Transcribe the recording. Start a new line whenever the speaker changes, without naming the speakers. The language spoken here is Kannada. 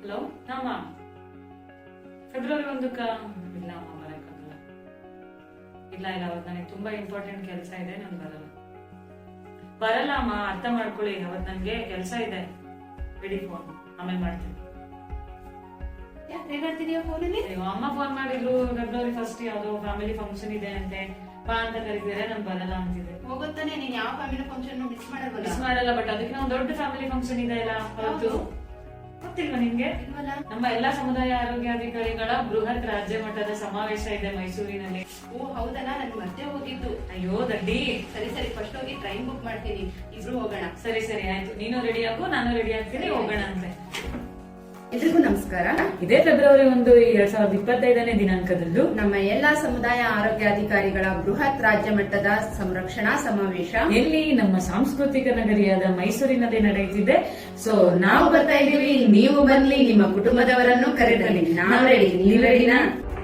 ಹಲೋ ಅಮ್ಮ, ಫೆಬ್ರವರಿ 1ಕ್ಕ ಇಲ್ಲ ಅಮ್ಮ, ಬರಕ್ಕಾಗಲ್ಲ. ಇಲ್ಲ ಅವತ್ತು ನನಗೆ ತುಂಬಾ ಇಂಪಾರ್ಟೆಂಟ್ ಕೆಲಸ ಇದೆ, ನಾನು ಬರಲ್ಲ ಅಮ್ಮ. ಅರ್ಥ ಮಾಡ್ಕೊಳ್ಳಿ, ಅವತ್ತು ನನಗೆ ಕೆಲಸ ಇದೆ. ಬಿಡಿ ಫೋನ್, ಆಮೇಲೆ ಮಾಡ್ತೀನಿ. ಅಮ್ಮ ಫೋನ್ ಮಾಡಿದ್ರು, ಫೆಬ್ರವರಿ 1 ಯಾವ್ದೋ ಫ್ಯಾಮಿಲಿ ಫಂಕ್ಷನ್ ಇದೆ ಅಂತೆ, ಬಾ ಅಂತ ಕರೀತಿದ್ರೆ ನಾನು ಬರಲ್ಲ ಅಂತಿದೆ.
ಹೋಗುತ್ತಾನೆ, ನೀನ್ ಯಾವ ಫ್ಯಾಮಿಲಿ ಫಂಕ್ಷನ್ ಮಿಸ್
ಮಾಡಲ್ಲ, ಬಟ್ ಅದಕ್ಕೆ ನಾವು ದೊಡ್ಡ ಫ್ಯಾಮಿಲಿ ಫಂಕ್ಷನ್ ಇದೆ ಅಲ್ಲ, ಅವತ್ತು ಗೊತ್ತಿಲ್ವಾ ನಿಮ್ಗೆ? ನಮ್ಮ ಎಲ್ಲಾ ಸಮುದಾಯ ಆರೋಗ್ಯಾಧಿಕಾರಿಗಳ ಬೃಹತ್ ರಾಜ್ಯ ಮಟ್ಟದ ಸಮಾವೇಶ ಇದೆ ಮೈಸೂರಿನಲ್ಲಿ.
ಓ ಹೌದಲ್ಲ, ನನ್ ಮತ್ತೆ ಹೋಗಿದ್ದು.
ಅಯ್ಯೋ ದಡ್ಡಿ.
ಸರಿ ಫಸ್ಟ್ ಹೋಗಿ ಟ್ರೈನ್ ಬುಕ್ ಮಾಡ್ತೀನಿ, ಇಬ್ರು ಹೋಗೋಣ.
ಸರಿ ಆಯ್ತು, ನೀನು ರೆಡಿ ಆಗು, ನಾನು ರೆಡಿ ಆಗ್ತೀನಿ, ಹೋಗೋಣ ಅಂತೆ.
ಎಲ್ರಿಗೂ ನಮಸ್ಕಾರ.
ಇದೇ ಫೆಬ್ರವರಿ 1, 2025ನೇ ದಿನಾಂಕದಂದು
ನಮ್ಮ ಎಲ್ಲಾ ಸಮುದಾಯ ಆರೋಗ್ಯಾಧಿಕಾರಿಗಳ ಬೃಹತ್ ರಾಜ್ಯ ಮಟ್ಟದ ಸಂರಕ್ಷಣಾ ಸಮಾವೇಶ
ಎಲ್ಲಿ ನಮ್ಮ ಸಾಂಸ್ಕೃತಿಕ ನಗರಿಯಾದ ಮೈಸೂರಿನಲ್ಲಿ ನಡೆಯುತ್ತಿದೆ. ಸೊ ನಾವು ಬರ್ತಾ ಇದೀವಿ, ನೀವು ಬನ್ನಿ, ನಿಮ್ಮ ಕುಟುಂಬದವರನ್ನು ಕರೆದಲ್ಲಿ. ನಾವು ರೆಡಿ, ನೀವು ರೆಡಿನಾ?